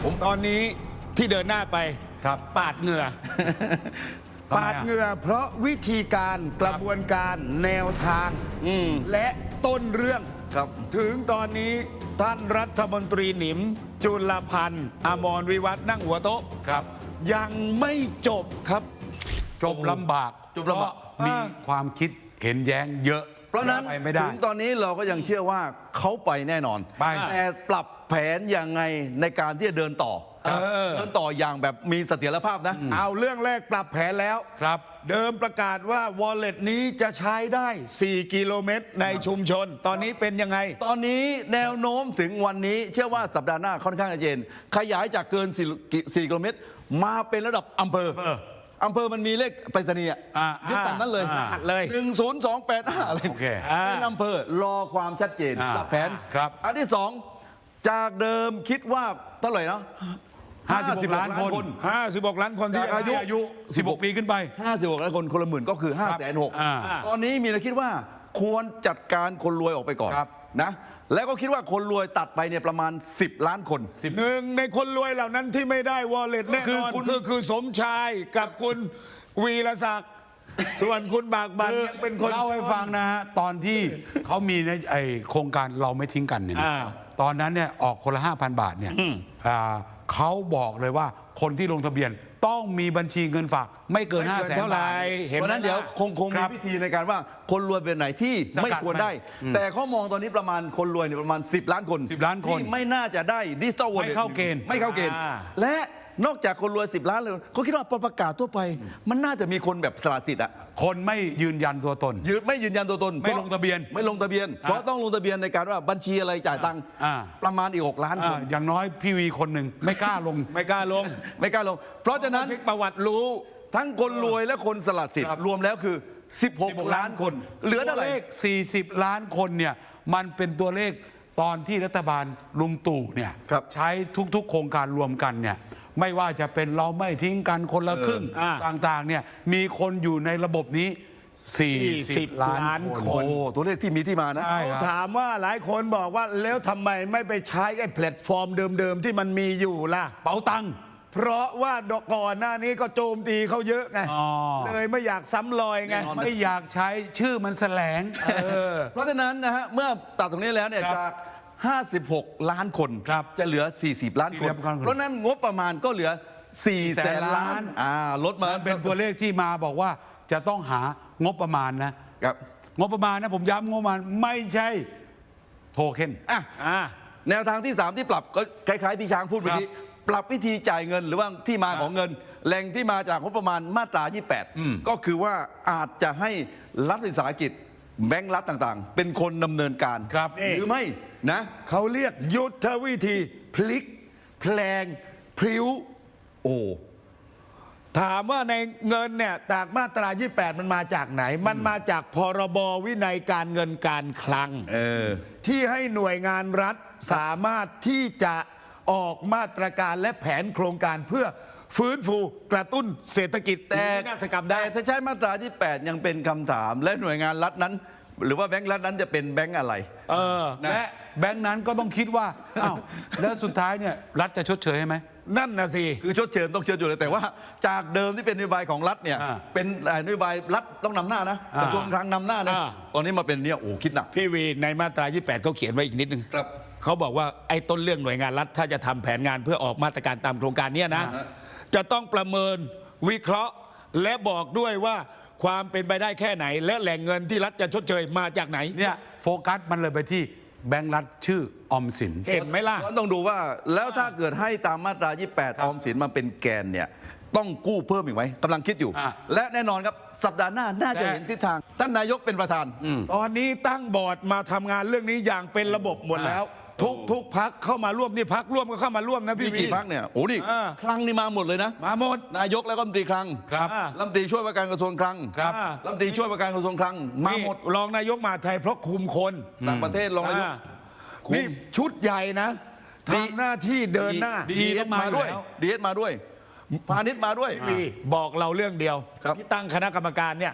ผมตอนนี้ที่เดินหน้าไปครับปาดเหงื่อทำไมปาดเหงื่อเพราะวิธีการกระบวนการแนวทางและต้นเรื่องครับถึงตอนนี้ท่านรัฐมนตรีหนิม จุลพันธ์อมรวิวัฒน์นั่งหัวโต๊ะครับยังไม่จบครับจบลำบากจบลำบากเพระมีความคิดเห็นแย้งเยอะเพราะฉะนั้นไปไม่ได้ถึงตอนนี้เราก็ยังเชื่อว่าเขาไปแน่นอนไปแต่ปรับแผนยังไงในการที่จะเดินต่อเดินต่ออย่างแบบมีเสถียรภาพนะเอาเรื่องแรกปรับแผนแล้วครับเดิมประกาศว่า wallet นี้จะใช้ได้ 4 กิโลเมตรในชุมชน ตอนนี้เป็นยังไงตอนนี้แนวโน้มถึงวันนี้เชื่อว่าสัปดาห์หน้าค่อนข้างชัดเจนขยายจากเกิน4กิโลเมตรมาเป็นระดับอำเภออำเภอมันมีเลขไปรษณีย์ ยึดตามนั้นเลยเลย 10285อะไรโอเคเป็นอำเภอรอความชัดเจนปรับแผนครับอันที่สองจากเดิมคิดว่าเท่าไหร่นะ 56 ล้านคน 56 ล้านคนที่จากอายุอายุ 16 ปีขึ้นไป 56ล้านคนคนละหมื่นก็คือ 560,000 ตอนนี้มีแนวคิดว่าควรจัดการคนรวยออกไปก่อนครับนะแล้วก็คิดว่าคนรวยตัดไปเนี่ยประมาณ 10 ล้านคนหนึ่งในคนรวยเหล่านั้นที่ไม่ได้ wallet แน่นอน คือสมชายกับคุณวีรศักดิ์ส่วนคุณบากบันยังเป็นคนเล่าให้ฟังนะฮะตอนที่เขามีในไอโครงการเราไม่ทิ้งกันเนี่ยนะตอนนั้นเนี่ยออกคนละ 5,000 บาทเนี่ยเขาบอกเลยว่าคนที่ลงทะเบียนต้องมีบัญชีเงินฝากไม่เกินไม่ 5 เกินแสนเท่าไหร่บาทเห็นเพราะฉะนั้นเดี๋ยวคงคมีรับวิธีในการว่าคนรวยเป็นไหนที่สกัดไม่ควรได้ แต่เขามองตอนนี้ประมาณคนรวยเนี่ยประมาณ 10 ล้านคน 10 ล้านคนที่ไม่น่าจะได้ดิจิตอลวอลเล็ตไม่เข้าเกณฑ์ไม่เข้าเกณฑ์ และนอกจากคนรวย 10 ล้านเลยเขาคิดว่าพอประกาศทั่วไป มันน่าจะมีคนแบบสละสิทธิ์อะคนไม่ยืนยันตัวตนไม่ยืนยันตัวตนไม่ลงทะเบียนไม่ลงทะเบียน เพราะต้องลงทะเบียนในการว่าบัญชีอะไรจ่ายตังค์อ่าประมาณอีก6 ล้านคนอย่างน้อยพี่วีคนหนึ่งไม่กล้าลงไม่กล้าลงไม่กล้าลง เพราะฉะนั้นเช็คประวัติรู้ทั้งคนรวยและคนสละสิทธิ์ครับรวมแล้วคือ 16 ล้านคน เหลือเท่าไหร่ตัวเลข 40 ล้านคนเนี่ยมันเป็นตัวเลขตอนที่รัฐบาลลุงตู่เนี่ยครับใช้ทุกๆ โครงการรวมกันเนี่ยไม่ว่าจะเป็นเราไม่ทิ้งกันคนละครึ่งอ่าต่างๆเนี่ยมีคนอยู่ในระบบนี้ 40 ล้านคโอ้นตัวเลขที่มีที่มานะใช่ครับถามว่าหลายคนบอกว่าแล้วทำไมไม่ไปใช้ไอ้แพลตฟอร์มเดิมๆที่มันมีอยู่ล่ะเป๋าตังค์เพราะว่าก่อนหน้านี้ก็โจมตีเขาเยอะไงอ๋อเลยไม่อยากซ้ำรอยไงแน่นอนไม่อยากใช้ชื่อมันแสลงเพราะฉะนั้นนะฮะเมื่อตัดตรงนี้แล้วเนี่ยครับจาก 56 ล้านคนครับจะเหลือ 40 ล้านคน 40ล้านคนเพราะฉะนั้นงบประมาณก็เหลือ 4 แสนล้านลดมามันเป็นตัวเลขที่มาบอกว่าจะต้องหางบประมาณนะครับ งบประมาณนะผมย้ำงบประมาณไม่ใช่โทเค็นอ่ะอ่าแนวทางที่ 3 ที่ปรับก็คล้ายๆที่ช้างพูดเมื่อกี้ปรับวิธีจ่ายเงินหรือว่าที่มาของเงิน แหล่งที่มาจากงบประมาณมาตรา 28 ก็คือว่าอาจจะให้รัฐวิสาหกิจแบงก์รัฐต่างๆ เป็นคนดำเนินการครับหรือไม่นะเขาเรียกยุทธวิธีพลิกแพลงพริ้วโอ้ถามว่าในเงินเนี่ยจากมาตรา 28 มันมาจากไหน มันมาจากพรบวินัยการเงินการคลัง ที่ให้หน่วยงานรัฐสามารถที่จะออกมาตรการและแผนโครงการเพื่อฟื้นฟูกระตุ้นเศรษฐกิจแต่วินาศกรรมได้ถ้าใช้มาตราที่ 8 ยังเป็นคำถาม และหน่วยงานรัฐนั้น หรือว่าแบงก์รัฐนั้นจะเป็นแบงก์อะไรและแบงค์นั้นก็ต้องคิดว่าอ้าวแล้วสุดท้ายเนี่ยรัฐจะชดเชยให้ไหมนั่นนะสิคือชดเชยต้องเชิญอยู่เลยแต่ว่าจากเดิมที่เป็นนโยบายของรัฐเนี่ยอ่าเป็นนโยบายรัฐต้องนำหน้านะกระทรวงคลังนำหน้านะอ่าตอนนี้มาเป็นเนี่ยโอ้คิดหนักพี่วีในมาตรา 28เขาเขียนไว้อีกนิดนึงครับเขาบอกว่าไอ้ต้นเรื่องหน่วยงานรัฐถ้าจะทำแผนงานเพื่อออกมาตรการตามโครงการเนี้ยนะ จะต้องประเมินวิเคราะห์ และบอกด้วยว่าความเป็นไปได้แค่ไหน และแหล่งเงินที่รัฐจะชดเชยมาจากไหนเนี่ยโฟกัสมันเลยไปที่แบงค์รัฐชื่อออมสินเห็นไหมล่ะต้องดูว่าแล้วถ้าเกิดให้ตามมาตรา 28 ออมสินมาเป็นแกนเนี่ยต้องกู้เพิ่มอีกไหมกำลังคิดอยู่อ่ะและแน่นอนครับสัปดาห์หน้าน่าจะเห็นทิศทาง ท่านนายกเป็นประธานตอนนี้ตั้งบอร์ดมาทำงานเรื่องนี้อย่างเป็นระบบหมดแล้ว ทุกพักเข้ามาร่วมนี่พักร่วมก็เข้ามาร่วมนะมีพี่วีกี่พักเนี่ยโอ้นี่อ่าคลังนี่มาหมดเลยนะมาหมดนายกแล้วก็รัฐมนตรีคลังครับรัฐมนตรีช่วยว่าการกระทรวงคลังครับรัฐมนตรีช่วยว่าการกระทรวงคลังมาหมดนี่รองนายกมหาดไทยเพราะคุมคนต่างประเทศรองนายก คุมนี่ชุดใหญ่นะทำหน้าที่เดินหน้าดีต้องมาอยู่ด้วยแล้วดีเอสมาด้วยพาณิชย์มาด้วยพี่บอกเราเรื่องเดียวครับที่ตั้งคณะกรรมการเนี่ย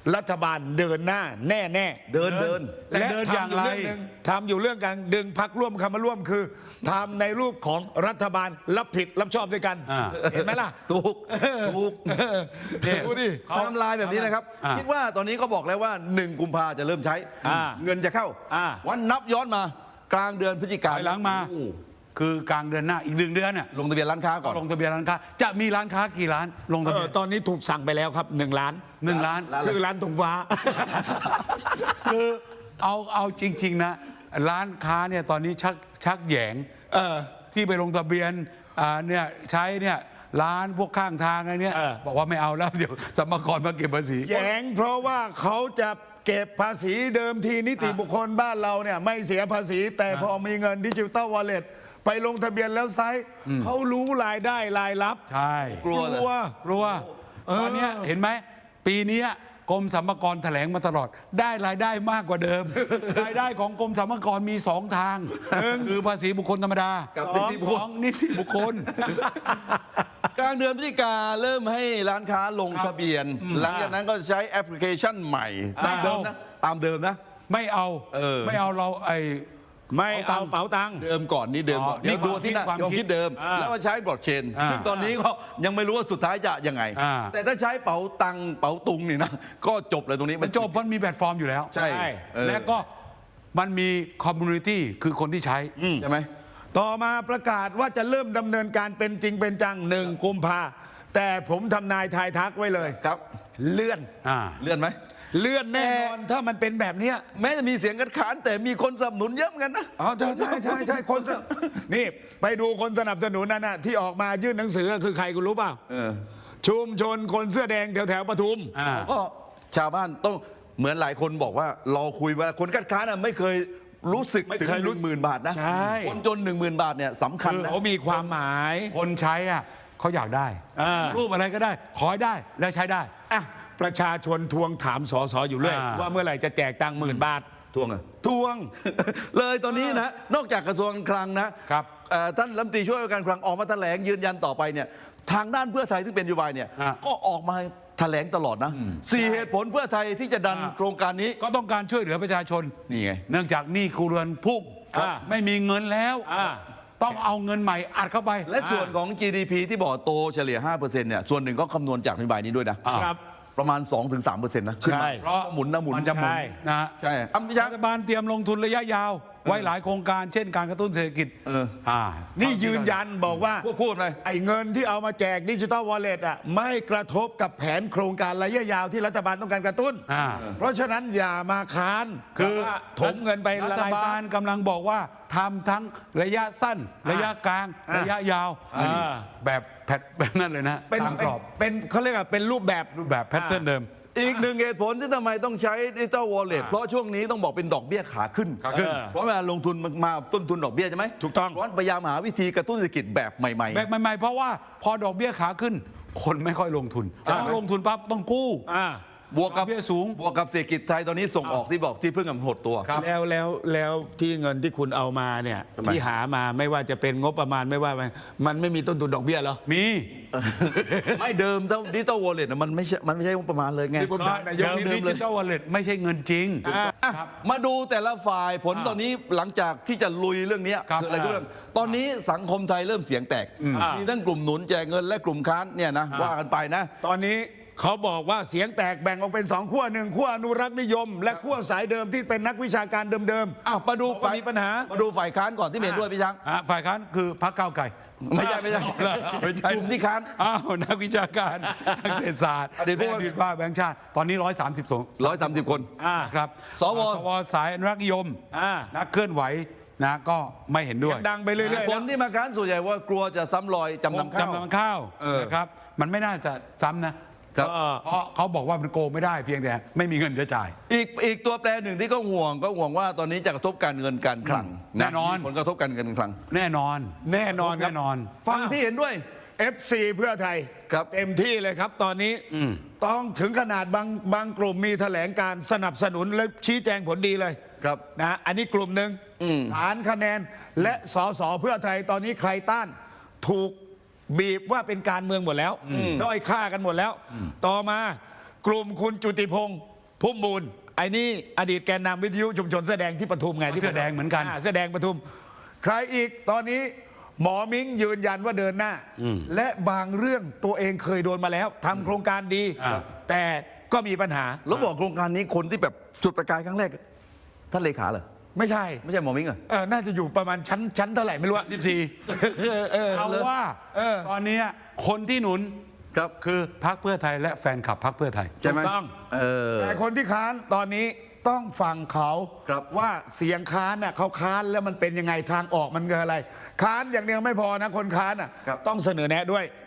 รัฐบาลเดินหน้าแน่ๆเดินและเดินอย่างไรทำอยู่เรื่องการดึงพรรคร่วมคำมาร่วมคือทำในรูปของรัฐบาลรับผิดรับชอบด้วยกัน เห็นไหมล่ะถูกเนี่ยดูดิทำลายแบบนี้นะครับอ่าคิดว่าตอนนี้ก็บอกแล้วว่า 1 กุมภาจะเริ่มใช้ เงินจะเข้า วันนับย้อนมากลางเดือนพฤศจิกาถอยหลังมาโอ้คือกลางเดือนหน้าอีก1 เดือนเนี่ยลงทะเบียนร้านค้าก่อนลงทะเบียนร้านค้าจะมีร้านค้ากี่ร้านลงทะเบียนตอนนี้ถูกสั่งไปแล้วครับ1 ล้าน 1 ล้านคือร้านธงฟ้าคือเอาจริง ๆ นะ ร้านค้าเนี่ยตอนนี้ชักแหยงที่ไปลงทะเบียนเนี่ยใช้เนี่ยร้านพวกข้างทางอะไรเนี่ยบอกว่าไม่เอาแล้วเดี๋ยวสรรพากรมาเก็บภาษีแย้งเพราะว่าเขาจะเก็บภาษีเดิมทีนิติบุคคลบ้านเราเนี่ยไม่เสียภาษี แต่พอมีเงินดิจิตอลวอลเล็ตไปลงทะเบียนแล้วไซส์เขารู้รายได้รายรับใช่กลัวเลยกลัวตอนเนี้ยเห็นไหมปีเนี้ยกรมสรรพากรแถลงมาตลอดได้รายได้มากกว่าเดิม รายได้ของกรมสรรพากรมี2 ทางคือภาษีบุคคลธรรมดากับสองนิติบุคคลของนิติบุคคลกลางเดือนพฤศจิกาเริ่มให้ร้านค้าลงทะเบียน หลังจากนั้นก็ใช้แอปพลิเคชันใหม่ตามเดิมนะตามเดิมนะไม่เอา ไม่เอาเราไม่เอาเป๋าตังค์เดิมก่อนนี่เดิมก่อนนี่ดูที่ความคิดความคิดเดิม แล้วก็ใช้บล็อกเชนซึ่งตอนนี้ก็ยังไม่รู้ว่าสุดท้ายจะยังไง แต่ถ้าใช้เป๋าตังเป๋าตุงนี่นะก็จบเลยตรงนี้มันจบมันมีแพลตฟอร์มอยู่แล้วใช่และก็มันมีคอมมูนิตี้คือคนที่ใช้ใช่ไหมต่อมาประกาศว่าจะเริ่มดำเนินการเป็นจริงเป็นจัง1 กุมภาแต่ผมทำนายทายทักไว้เลยครับเลื่อนเลื่อนไหมเลื่อนแน่นอนถ้ามันเป็นแบบเนี้ยแม้จะมีเสียงคัดค้านแต่มีคนสนับสนุนเยอะเหมือนกันนะอ๋อใช่คนนี่ไปดูคนสนับสนุนนั่นนะที่ออกมายื่นหนังสือคือใครคุณรู้เปล่าชุมชนคนเสื้อแดงแถวปทุมก็ชาวบ้านต้องเหมือนหลายคนบอกว่าเราคุยว่าคนคัดค้านน่ะไม่เคยรู้สึกไม่ถึงเคยรู้ 10,000 บาทนะใช่คนจน 10,000 บาทเนี่ยสำคัญนะเขามีความหมายคนใช้เขาอยากได้ รูปอะไรก็ได้ ขอให้ได้และใช้ได้อ่ะประชาชนทวงถามสสอยู่เรื่อยว่าเมื่อไหร่จะแจกตังค์10,000 บาททวงอะทวงเลยตอนนี้นะนอกจากกระทรวงการคลังนะครับท่านรัฐมนตรีช่วยว่าการคลังออกมาแถลงยืนยันต่อไปเนี่ยทางด้านเพื่อไทยซึ่งเป็นนโยบายเนี่ยก็ออกมาแถลงตลอดนะ4 เหตุผลเพื่อไทยที่จะดันโครงการนี้ก็ต้องการช่วยเหลือประชาชนนี่ไงเนื่องจากหนี้ครัวเรือนพุ่งไม่มีเงินแล้ว ต้องเอาเงินใหม่อัดเข้าไปและส่วนของ GDP ที่บอกโตเฉลี่ย 5%เนี่ยส่วนหนึ่งก็คำนวณจากนโยบายนี้ด้วยนะครับ ประมาณ 2-3%นะใช่เพราะหมุนนะหมุนมันจะหมุนใช่นะฮะใช่อัมพิชารัฐบาลเตรียมลงทุนระยะยาว ไว้หลายโครงการ เช่นการกระตุ้นเศรษฐกิจนี่ยืนยันบอกว่าพูดเลยไอ้เงินที่เอามาแจกดิจิตอลวอลเล็ตอ่ะไม่กระทบกับแผนโครงการระยะยาวที่รัฐบาลต้องการกระตุ้น เพราะฉะนั้นอย่ามาค้านคือว่าถมเงินไปรัละฐลายบาซัลกำลังบอกว่าทำทั้งระยะสั้น ระยะกลาง ระยะยาวอันนี้แบบแพทแบบนั้นเลยนะเป็นตามกรอบเป็นเขาเรียกว่าเป็นรูปแบบรูปแบบแพทเทิร์นเดิมอีกหนึ่งเหตุผลที่ทำไมต้องใช้ดิจิตอลวอลเล็ตเพราะช่วงนี้ต้องบอกเป็นดอกเบี้ยขาขึ้นขาขึ้นเพราะเวลาลงทุนมาต้นทุนดอกเบี้ยใช่ไหมถูกต้องเพราะฉะนั้นพยายามหาวิธีกระตุ้นเศรษฐกิจแบบใหม่แบบใหม่ๆเพราะว่าพอดอกเบี้ยขาขึ้น คนไม่ค่อยลงทุนพอลงทุนปั๊บต้องกู้บวกกับดอกเบี้ยสูงบวกกับเศรษฐกิจไทยตอนนี้ส่งออกที่บอกที่เพิ่งกำหดตัวแล้วที่เงินที่คุณเอามาเนี่ยทำไมที่หามาไม่ว่าจะเป็นงบประมาณไม่ว่ามันไม่มีต้นทุนดอกเบี้ยเหรอมีไม่เดิมดิจิตอลวอลเล็ตมันไม่ใช่งบประมาณเลยไงนี่ผมก็เดิมดิจิตอลวอลเล็ตไม่ใช่เงินจริงมาดูแต่ละฝ่ายผลตอนนี้หลังจากที่จะลุยเรื่องนี้ครับคืออะไรก็เรื่องตอนนี้สังคมไทยเริ่มเสียงแตกมีทั้งกลุ่มหนุนแจกเงินและกลุ่มค้านเนี่ยนะว่ากันไปนะตอนนี้เขาบอกว่าเสียงแตกแบ่งออกเป็น2 ขั้ว1 ขั้วอนุรักษ์นิยม และขั้วสายเดิมที่เป็นนักวิชาการเดิมอ้าวมาดูว่ามีปัญหามาดูฝ่ายค้านก่อนที่เห็นด้วยพี่ช้างฝ่ายค้านคือพรรคก้าวไกลไม่ใช่ไม่ใช่กลุ่มที่ค้านอ้าวนักวิชาการนักเศรษฐศาสตร์อดีตผู้ว่าอดีตว่าแบงค์ชาติตอนนี้ 130 คนครับสวสายอนุรักษ์นิยมอ่านักเคลื่อนไหวนะก็ไม่เห็นด้วยๆดังไปเรื่อยๆคแล้วนที่มาค้านส่วนใหญ่ว่ากลัวจะซ้ำรอยจำนำข้าวจำนำข้าวนะครับมันไม่น่าจะซ้ำนะครับ เพราะเขาบอกว่ามันโกงไม่ได้เพียงแต่ไม่มีเงินจะจ่ายอีกตัวแปรหนึ่งที่ก็ห่วงว่าตอนนี้จะกระทบการเงินการคลังแน่นอนมีผลกระทบการเงินการคลังแน่นอนแน่นอนครับแน่นอนฟังที่เห็นด้วย FC เพื่อไทยครับเต็มที่เลยครับตอนนี้ต้องถึงขนาดบางกลุ่มมีแถลงการสนับสนุนและชี้แจงผลดีเลยครับนะอันนี้กลุ่มหนึ่งฐานคะแนนและสสเพื่อไทยตอนนี้ใครต้านถูกบีบว่าเป็นการเมืองหมดแล้วด้อยค่ากันหมดแล้ว ต่อมากลุ่มคุณจุติพงศ์พุ่มมูลไอ้นี่อดีตแกนนำวิทยุชุมชนเสื้อแดงที่ปทุมไงที่เสื้อแดงเหมือนกันเสื้อแดงปทุม ใครอีกตอนนี้หมอมิ้งยืนยันว่าเดินหน้า และบางเรื่องตัวเองเคยโดนมาแล้วทำโครงการดี แต่ก็มีปัญหาแล้วบอกโครงการนี้คนที่แบบจุดประกายครั้งแรกท่านเลขาเหรอไม่ใช่ไม่ใช่หมอมิ้งเหรอน่าจะอยู่ประมาณชั้นเท่าไหร่ไม่รู้อะ 14เอาว่าตอนนี้คนที่หนุนครับคือพรรคเพื่อไทยและแฟนคลับพรรคเพื่อไทยใช่ไหมถูกต้องอแต่คนที่ค้านตอนนี้ต้องฟังเขาครับว่าเสียงค้านน่ะเขาค้านแล้วมันเป็นยังไงทางออกมันคืออะไร ค้านอย่างเดียวไม่พอนะคนค้านน่ะครับต้องเสนอแนะด้วย